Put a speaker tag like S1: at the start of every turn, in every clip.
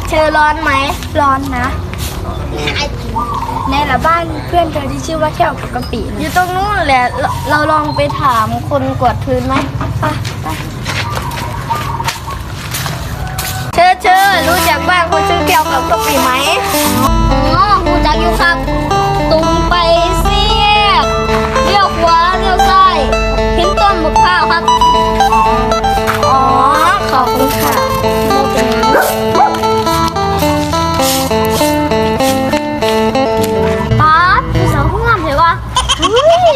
S1: เธอร้อนไหม
S2: ร้อนนะในละบ้านเพื่อนเธอที่ชื่อว่าแก้วกับกะปิ
S1: อยู่ตรงนู้นแหละเราลองไปถามคนกวาดพื้นไหมไปเธอรู้จักบ้านคนชื่อแก้วกับกะปิไหมอ๋อรู้จักอยู่ครับตรงไปเสียบเลี้ยวขวาเลี้ยวซ้ายเห็นต้นมะพร้าวครับอ๋อขอบคุณค่ะป๊าดพี่สาวผู้งามเหรอวะเฮ้ย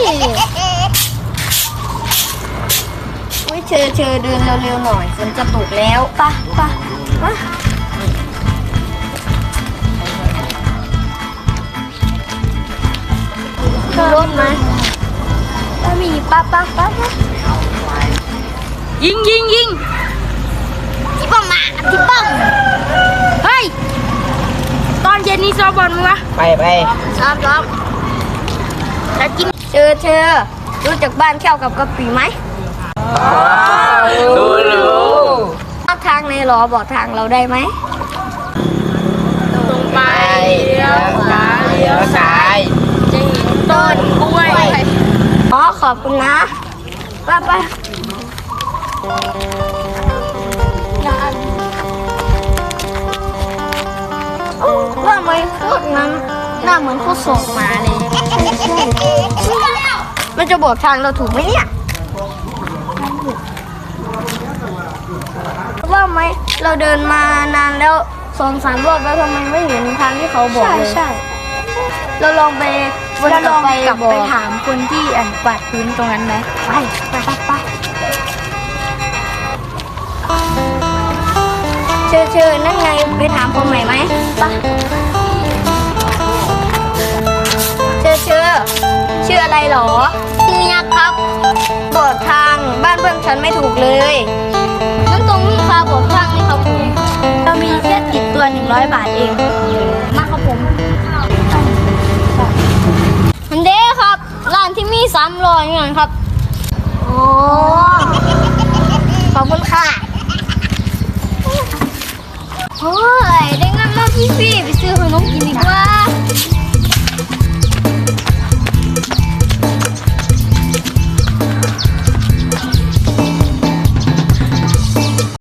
S1: เธอเดินเร็วๆหน่อยฝนจะตกแล้วไปรถไหมถ้ามีป้า
S2: ยิง
S1: ที่ป้อมมาที่ป้อม
S2: เฮ้ยตอนเย็นนี้ซ้อมบอลมั้ยวะ
S3: ไป
S1: ซ้อมแล้วกินเธอรู้จักบ้านแก้วกับกะปิไหม
S3: รู้
S1: ทางในหรอบอกทางเราได้ไหม
S2: ตรงไปเลี้ยวขวาเลี้ยวซ้ายจะเห็นต้นกล้วย
S1: อ๋อขอบคุณนะไปว่าไม่พูดนั้นหน้าเหมือนเขาส่งมาเลยมันจะบอกทางเราถูกไหมเนี่ยว่าไหมเราเดินมานานแล้ว2-3 รอบแล้วทำไมไม่เห็นทางที่เขาบอกเลย
S2: ใช่
S1: เราลองไปวนกลับไป
S2: ถามคนที่กวาดพื้นตรงนั้นไหม
S1: ไปเชิญนั่นไงไปถามคนใหม่ไหมไปชื่ออะไรหรอชื่อยักษ์ครับบอกทางบ้านเพื่อนฉันไม่ถูกเลยนั่นตรงนี้ค่ะบอกทางนี่ครับผม
S2: เรามีแค่ติดตัว100 บาทเอง
S1: มาครับผมมันเด้ครับร้านที่มี300เงินครับโอ้ขอบคุณค่ะโอ้ยได้เงินมาพี่ไปซื้อขนมกินดีกว่า